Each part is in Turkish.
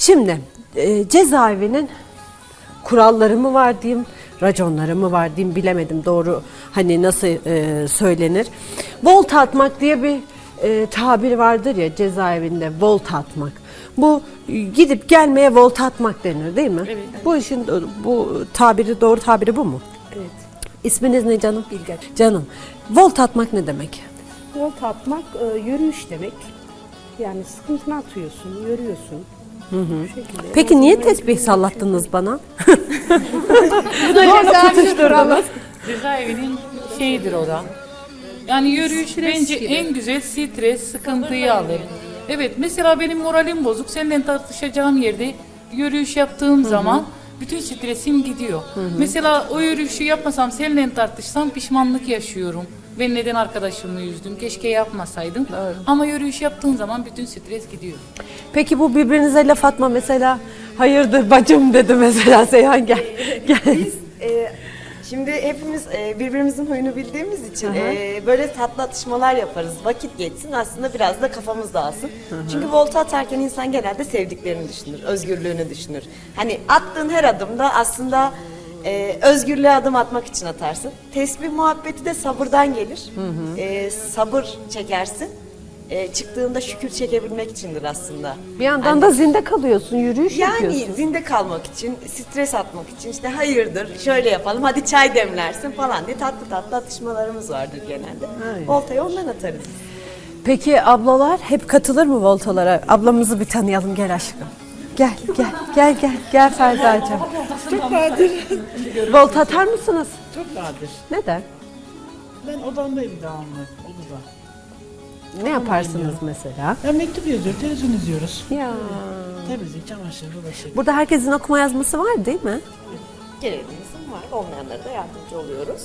Şimdi cezaevinin kuralları mı var diyeyim, raconları mı var diyeyim, bilemedim doğru hani nasıl söylenir. Volta atmak diye bir tabir vardır ya cezaevinde, volta atmak. Bu gidip gelmeye volta atmak denir değil mi? Evet. Bu işin bu tabiri, doğru tabiri bu mu? Evet. İsminiz ne canım? Bilge. Canım. Volta atmak ne demek? Volta atmak yürüyüş demek. Yani sıkıntını atıyorsun, yürüyorsun. Bu şekilde. Peki niye tesbih sallattınız bana? Cezaevinin şeyidir o da. Yani yürüyüş Stres bence gibi. en güzel stres, sıkıntıyı alır. Evet, mesela benim moralim bozuk. Seninle tartışacağım yerde yürüyüş yaptığım zaman bütün stresim gidiyor. Mesela o yürüyüşü yapmasam, seninle tartışsam pişmanlık yaşıyorum. Ben neden arkadaşımı üzdüm? Keşke yapmasaydım. Ama yürüyüş yaptığın zaman bütün stres gidiyor. Peki bu birbirinize laf atma mesela, hayırdır bacım dedi mesela Seyhan gel. Gel. Biz şimdi hepimiz birbirimizin huyunu bildiğimiz için böyle tatlı atışmalar yaparız. Vakit geçsin, aslında biraz da kafamız dağılsın. Çünkü volta atarken insan genelde sevdiklerini düşünür, özgürlüğünü düşünür. Hani attığın her adımda aslında özgürlüğe adım atmak için atarsın. Tesbih muhabbeti de sabırdan gelir. Sabır çekersin. Çıktığında şükür çekebilmek içindir aslında. Bir yandan da zinde kalıyorsun, yürüyüş Yani yapıyorsun. zinde kalmak için, stres atmak için işte hayırdır, şöyle yapalım, hadi çay demlersin falan diye tatlı tatlı atışmalarımız vardır genelde. Aynen. Voltayı ondan atarız. Peki ablalar hep katılır mı voltalara? Ablamızı bir tanıyalım, gel aşkım. Gel Ferda'cığım. Çok nadir. Volta atar mısınız? Çok nadir. Neden? Ben odamdayım devamlı. Odada. Ne yaparsınız mesela? Ben mektup yazıyorum, televizyon izliyoruz. Ya. Temizlik, çamaşır, bulaşık. Burada herkesin okuma yazması var değil mi? Görevimizin var, olmayanlara da yardımcı oluyoruz.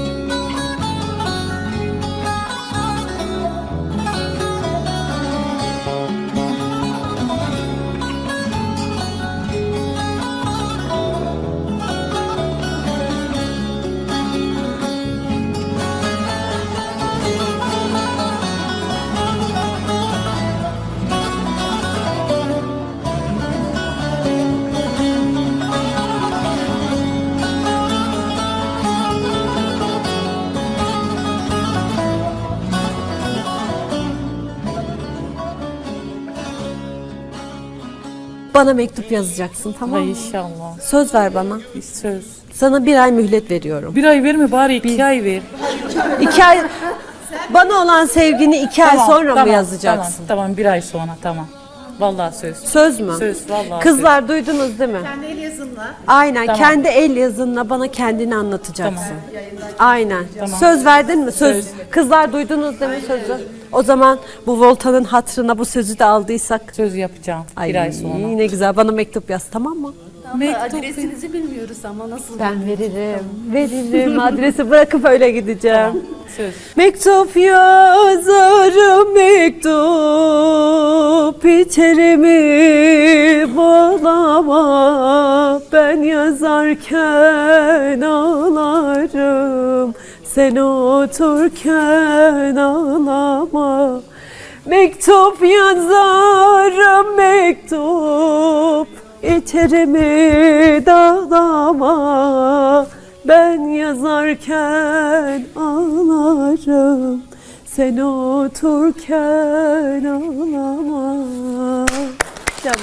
Bana mektup yazacaksın, tamam Ay mı? inşallah. Söz ver bana. Söz. Sana 1 ay mühlet veriyorum. Bir ay verme bari 2 ay ver. 2 ay, bana olan sevgini 2 ay sonra mı yazacaksın? Tamam, bir ay sonra tamam. Vallahi söz. Söz mü? Söz, vallahi Kızlar duydunuz değil mi? Kendi el yazınla. Aynen, Tamam. kendi el yazınla bana kendini anlatacaksın. Tamam. Aynen. Söz verdin mi? Söz. Kızlar duydunuz değil mi sözü? O zaman bu Volta'nın hatırına bu sözü de aldıysak. Söz yapacağım Ay bir ay sonra. ne güzel, bana mektup yaz, tamam mı? Adresinizi bilmiyoruz ama nasıl? Ben veririm adresi bırakıp öyle gideceğim. Söz. Mektup yazarım, mektup içerimi bağlama. Ben yazarken ağlarım, sen oturken ağlama. Mektup yazarım, mektup içerimi dağlama. Ben yazarken ağlarım, sen oturken ağlama. Canım.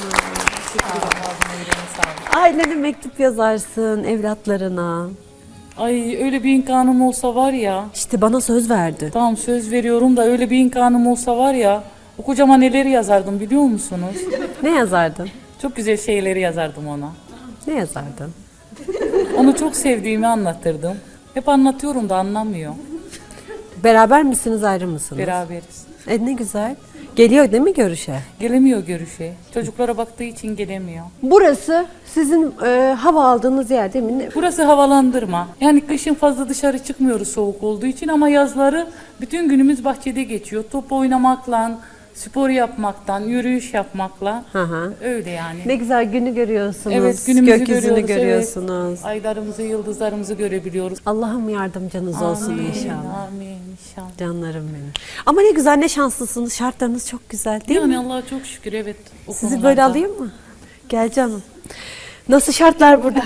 Ailene mektup yazarsın, evlatlarına. Ay öyle bir imkanım olsa var ya. İşte bana söz verdi. Tamam söz veriyorum da öyle bir imkanım olsa var ya. O kocama neleri yazardım biliyor musunuz? Ne yazardın? Çok güzel şeyleri yazardım ona. Ne yazardın? Onu çok sevdiğimi anlatırdım. Hep anlatıyorum da anlamıyor. Beraber misiniz, ayrı mısınız? Beraberiz. Ne güzel. Geliyor değil mi görüşe? Gelemiyor görüşe. Çocuklara baktığı için gelemiyor. Burası sizin hava aldığınız yer değil mi? Burası havalandırma. Yani kışın fazla dışarı çıkmıyoruz soğuk olduğu için ama yazları bütün günümüz bahçede geçiyor. Top oynamakla, spor yapmaktan, yürüyüş yapmakla. Hı hı. Öyle yani. Ne güzel günü görüyorsunuz. Evet, günümüzü Gökyüzünü görüyoruz, görüyorsunuz. Evet. Aylarımızı, yıldızlarımızı görebiliyoruz. Allah'ım yardımcınız olsun Amin, inşallah. Amin inşallah. Canlarım benim. Ama ne güzel, ne şanslısınız. Şartlarınız çok güzel değil Yani mi? Allah'a çok şükür evet. o Sizi böyle konularda. alayım mı? Gel canım. Nasıl şartlar burada?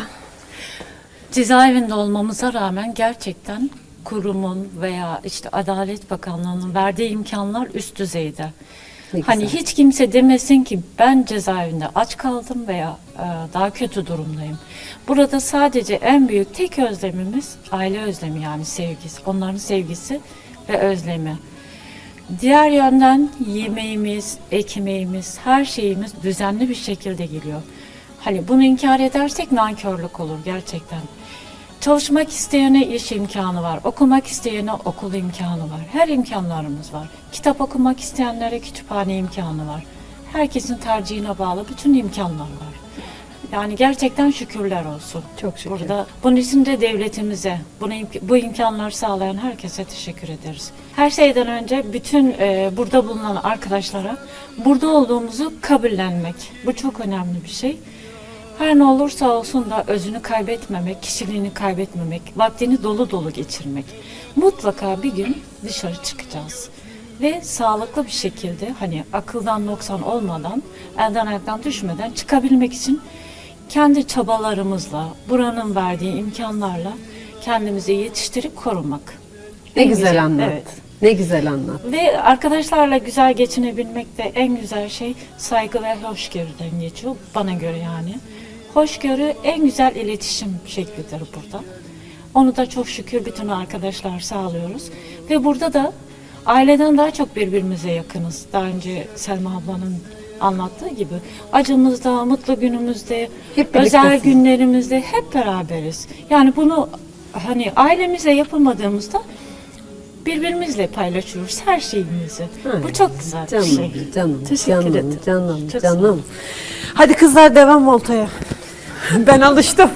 Cezaevinde olmamıza rağmen gerçekten kurumun veya işte Adalet Bakanlığı'nın verdiği imkanlar üst düzeyde. Ne Hani güzel. hiç kimse demesin ki ben cezaevinde aç kaldım veya daha kötü durumdayım. Burada sadece en büyük tek özlemimiz aile özlemi, yani sevgisi, onların sevgisi ve özlemi. Diğer yönden yemeğimiz, ekmeğimiz, her şeyimiz düzenli bir şekilde geliyor. Hani bunu inkar edersek nankörlük olur gerçekten. Çalışmak isteyene iş imkanı var, okumak isteyene okul imkanı var. Her imkanlarımız var. Kitap okumak isteyenlere kütüphane imkanı var. Herkesin tercihine bağlı bütün imkanlar var. Yani gerçekten şükürler olsun. Çok şükür. Burada bunun için de devletimize, bu imkanları sağlayan herkese teşekkür ederiz. Her şeyden önce bütün burada bulunan arkadaşlara burada olduğumuzu kabullenmek. Bu çok önemli bir şey. Her ne olursa olsun da özünü kaybetmemek, kişiliğini kaybetmemek, vaktini dolu dolu geçirmek. Mutlaka bir gün dışarı çıkacağız. Ve sağlıklı bir şekilde, hani akıldan noksan olmadan, elden ayaktan düşmeden çıkabilmek için kendi çabalarımızla, buranın verdiği imkanlarla kendimizi yetiştirip korumak. Ne En güzel anlat. Evet. Ne güzel anlat. Ve arkadaşlarla güzel geçinebilmek de en güzel şey saygı ve hoşgörüden geçiyor bana göre yani. Hoşgörü en güzel iletişim şeklidir burada. Onu da çok şükür bütün arkadaşlar sağlıyoruz. Ve burada da aileden daha çok birbirimize yakınız. Daha önce Selma ablanın anlattığı gibi acımızda, mutlu günümüzde, Hep özel birliktesiniz. günlerimizde hep beraberiz. Yani bunu hani ailemizle yapamadığımızda birbirimizle paylaşıyoruz her şeyimizi. Bu çok güzel bir Canım, şey. canım, Teşekkür canım, ederim. canım, Çok sağ olun. canım. Hadi kızlar devam voltaya. Ben alıştım.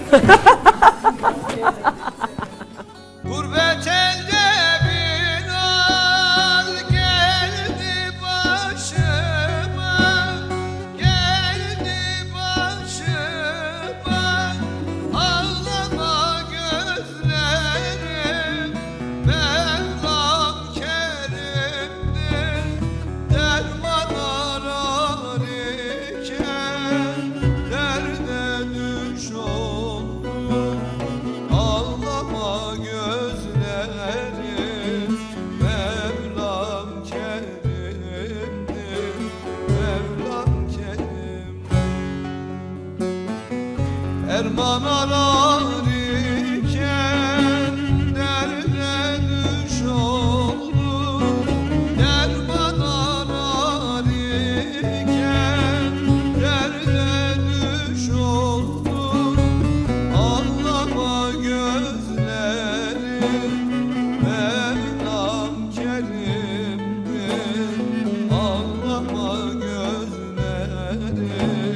Gurbet elde bir al geldi başıma, geldi başıma. Ağlama gözlerim, Mevlam kerimdir. Derman arar iken derde düş oldum. Ağlama gözlerim, Mevlam kerimdir, Mevlam kerim. Erman arar iken derde düş oldum. Derman arar iken derde düş oldum. Ağlama gözlerim, Mevlam kerimdir. Ağlama gözlerim,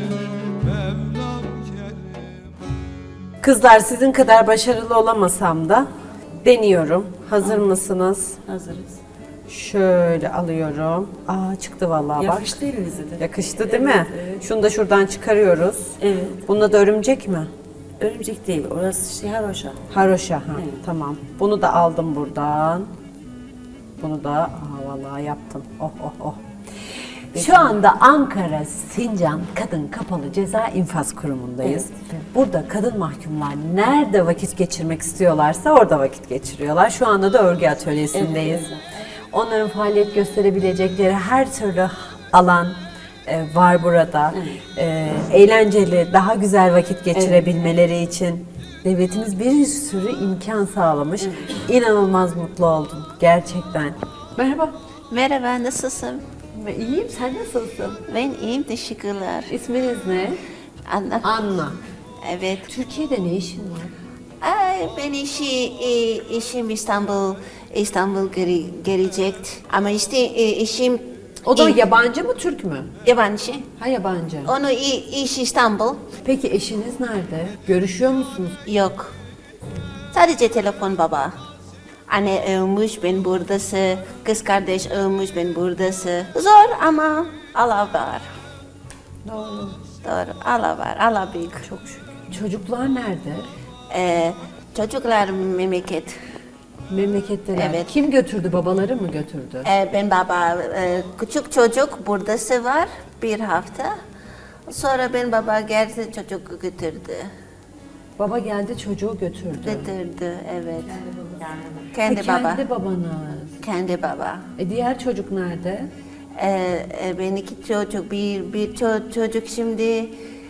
Mevlam kerim. Kızlar sizin kadar başarılı olamasam da deniyorum. Hazır mısınız? Hazırız. Şöyle alıyorum. Aa çıktı vallahi bak. Yakıştı elinize de. Yakıştı değil mi? Şunu da şuradan çıkarıyoruz. Evet. Bunda da örümcek mi? Örümcek değil. Orası şey haroşa. Haroşa. Ha, tamam. Bunu da aldım buradan. Bunu da vallahi yaptım. Oh oh oh. Şu anda Ankara Sincan Kadın Kapalı Ceza İnfaz Kurumu'ndayız. Burada kadın mahkumlar nerede vakit geçirmek istiyorlarsa orada vakit geçiriyorlar. Şu anda da örgü atölyesindeyiz. Onların faaliyet gösterebilecekleri her türlü alan var burada. Eğlenceli, daha güzel vakit geçirebilmeleri için devletimiz bir sürü imkan sağlamış. İnanılmaz mutlu oldum gerçekten. Merhaba. Merhaba, nasılsın? İyiyim, sen nasılsın? Ben iyiyim, teşekkürler. İsminiz ne? Anla. Anna. Evet. Türkiye'de ne işin var? Ben işim İstanbul gelecek. Ama işte işim O da yabancı mı, Türk mü? yabancı. Ha yabancı. Onu iş İstanbul. Peki eşiniz nerede? Görüşüyor musunuz? Yok. Sadece telefon baba. Anne ölmüş, ben buradası. Kız kardeş ölmüş, ben buradası. Zor ama Allah var. Doğru. Doğru, Allah var, Allah büyük. Çok şükür. Çocuklar nerede? Çocuklar memleket. Memleketteler. Evet. Kim götürdü? Babaları mı götürdü? Ben baba, küçük çocuk buradası var bir hafta. Sonra ben baba geldi çocuk götürdü. Baba geldi çocuğu götürdü. Götürdü, evet. Kendi baba. Kendi babanız. Kendi baba. Diğer çocuk nerede? Ben iki çocuk, bir çocuk şimdi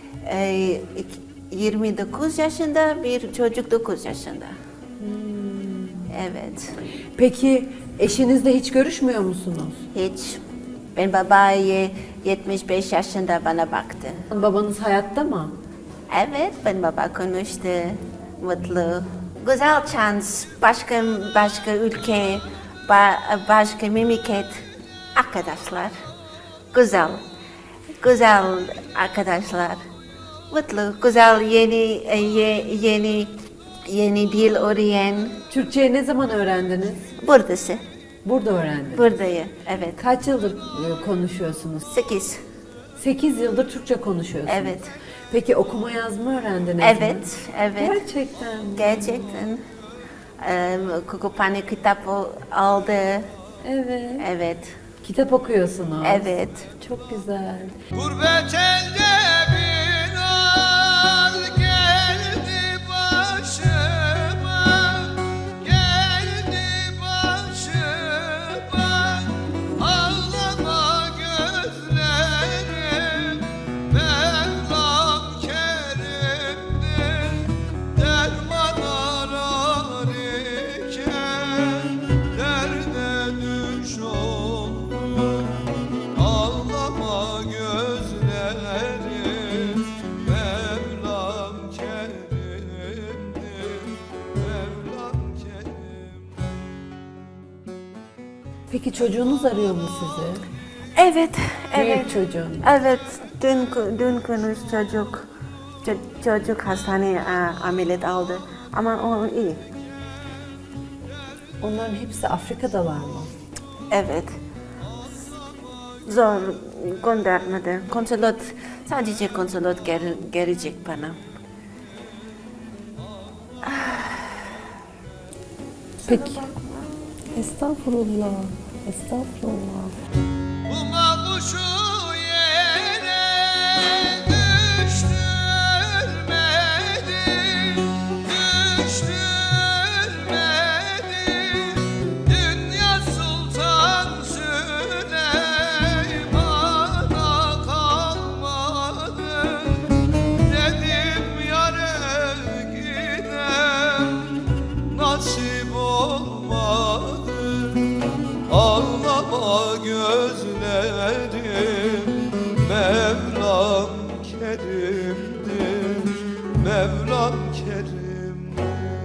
29 yaşında, bir çocuk 9 yaşında. Evet. Peki eşinizle hiç görüşmüyor musunuz? Hiç. Ben babayı 75 yaşında bana baktı. Babanız hayatta mı? Evet, ben baba konuştu. Mutlu. Güzel şans. Başka ülke, başka memleket. Arkadaşlar. Güzel. Güzel arkadaşlar. Mutlu, güzel yeni dil öğren. Türkçeyi ne zaman öğrendiniz? Buradası. Burada öğrendiniz. Buradayım. Evet. Kaç yıldır konuşuyorsunuz? 8. 8 yıldır Türkçe konuşuyorsunuz. Evet. Peki okuma yazma öğrendiniz mi? Evet. Evet. Gerçekten. Gerçekten. Kütüphane kitap aldı. Evet. Evet. Kitap okuyorsunuz. Evet. Çok güzel. Gurbet elde bir al geldi başıma, geldi başıma. Ağlama gözlerim, Mevlam kerimdir. Derman arar iken derde düş oldum. Ağlama gözlerim, Mevlam kerimdir, Mevlam kerimdir. Peki çocuğunuz arıyor mu sizi? Evet. Büyük çocuğun. Evet. Dün konuş çocuk. Çocuk hastaneye ameliyat aldı. Ama o iyi. Onların hepsi Afrika'dalar mı? Evet. Zor göndermedi. Konsolos, sadece konsolos gelecek bana. Peki. Estağfurullah. Estağfurullah. Bu mavuşu yere düşürmedi, düşürmedi. Dünya Sultan Süleyman'a kalmadı. Dedim yâre gidem, nasip olmadı. Ağlama gözlerim, Mevlam kerimdir, Mevlam kerimdir.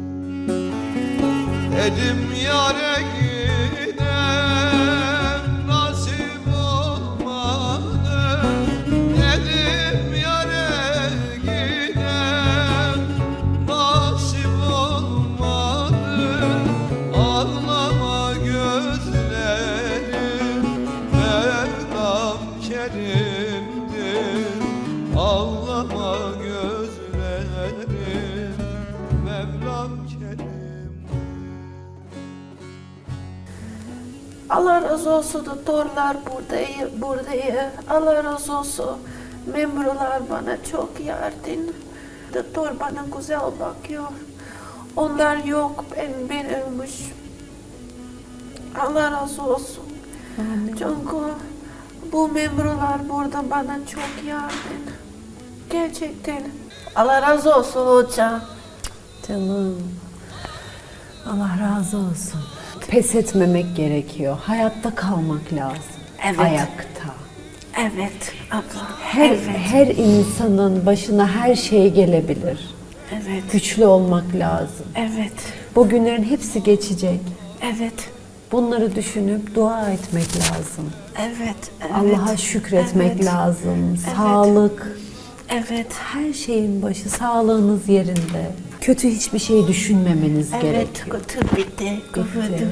Dedim yâre gidem, nasip olmadı. Dedim yâre gidem, nasip olmadı. Ağlama gözlerim, Mevlam kerimdir. Ağlama gözlerim, Mevlam kerimdir. Allah razı olsun doktorlar buradayım. Allah razı olsun. Memurlar bana çok yardım. Doktor bana güzel bakıyor. Onlar yok, ben ölmüş. Allah razı olsun. Çünkü bu memurlar burada bana çok yardım. Gerçekten. Allah razı olsun hocam. Canım. Allah razı olsun. Pes etmemek gerekiyor. Hayatta kalmak lazım. Evet. Ayakta. Evet abla. Her insanın başına her şey gelebilir. Evet. Güçlü olmak lazım. Evet. Bu günlerin hepsi geçecek. Evet. Bunları düşünüp dua etmek lazım. Evet. Allah'a şükretmek Evet. lazım. Sağlık. Evet. Her şeyin başı, sağlığınız yerinde. Kötü hiçbir şey düşünmemeniz Evet. gerekiyor. Kötü bitti. Bitti.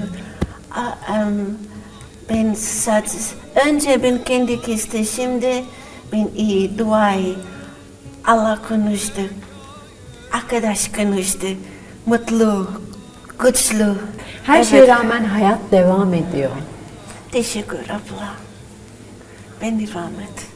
Ben önce ben kendi kesti, şimdi ben iyi duayı. Allah konuştu. Arkadaş konuştu. Mutlu, güçlü. Her Evet. şeye rağmen hayat devam ediyor. Teşekkür abla. Ben devam et.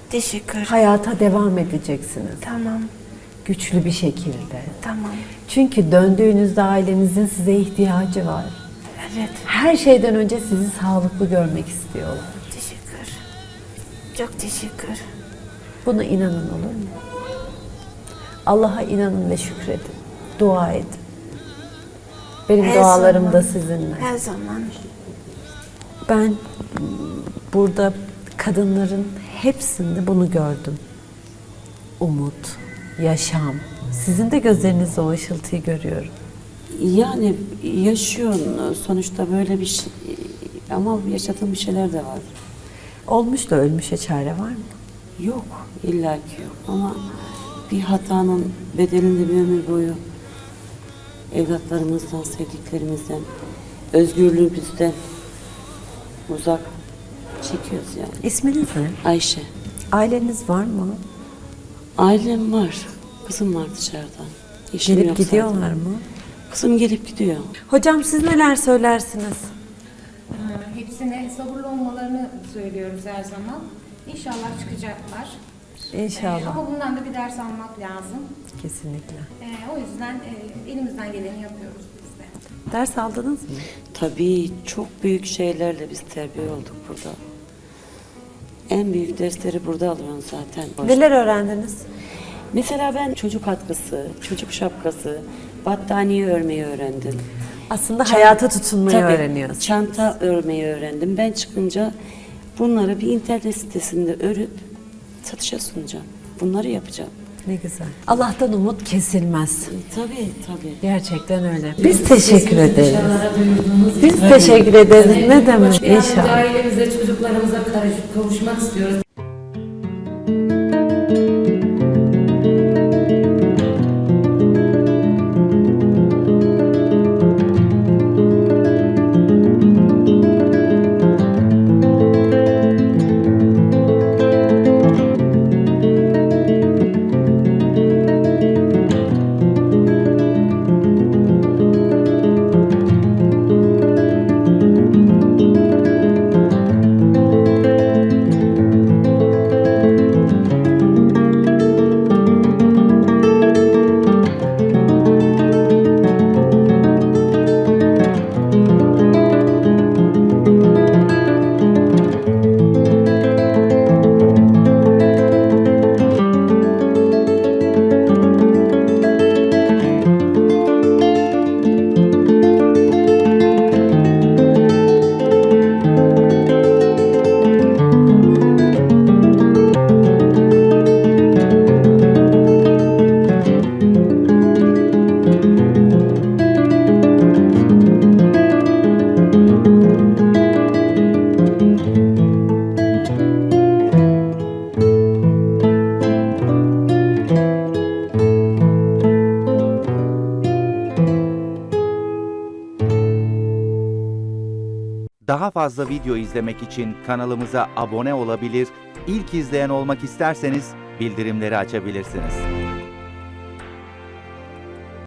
Teşekkür. Hayata devam edeceksiniz. Tamam. Güçlü bir şekilde. Tamam. Çünkü döndüğünüzde ailenizin size ihtiyacı var. Evet. Her şeyden önce sizi sağlıklı görmek istiyorlar. Teşekkür. Çok teşekkür. Buna inanın, olur mu? Allah'a inanın ve şükredin. Dua edin. Benim Her dualarım zaman. da sizinle. Her zaman. Ben burada kadınların hepsinde bunu gördüm. Umut, yaşam. Sizin de gözlerinizde o ışıltıyı görüyorum. Yani yaşıyorsun sonuçta böyle bir şey. Ama yaşadığım bir şeyler de var. Olmuş da ölmüşe çare var mı? Yok, illaki yok. Ama bir hatanın bedelinde bir ömür boyu evlatlarımızdan, sevdiklerimizden, özgürlüğümüzden uzak çekiyoruz yani. İsminiz ne? Ayşe. Aileniz var mı? Ailem var. Kızım var dışarıda. Eşim Gelip yok gidiyorlar zaten. mı? Kızım gelip gidiyor. Hocam siz neler söylersiniz? Hepsine sabırlı olmalarını söylüyoruz her zaman. İnşallah çıkacaklar. İnşallah. Ama bundan da bir ders almak lazım. Kesinlikle. O yüzden elimizden geleni yapıyoruz biz de. Ders aldınız mı? Tabii çok büyük şeylerle biz terbiye olduk burada. En büyük dersleri burada alıyorum zaten. Neler öğrendiniz? Mesela ben çocuk atkısı, çocuk şapkası, battaniye örmeyi öğrendim. Aslında hayata tutunmayı Tabii, öğreniyorsunuz. çanta örmeyi öğrendim. Ben çıkınca bunları bir internet sitesinde örüp satışa sunacağım. Bunları yapacağım. Ne güzel. Allah'tan umut kesilmez. Tabii tabii. Gerçekten öyle. Biz teşekkür ederiz. Biz teşekkür ederiz. Ne demek? İnşallah. Ailemize, çocuklarımıza kavuşmak istiyoruz. Daha fazla video izlemek için kanalımıza abone olabilir, ilk izleyen olmak isterseniz bildirimleri açabilirsiniz.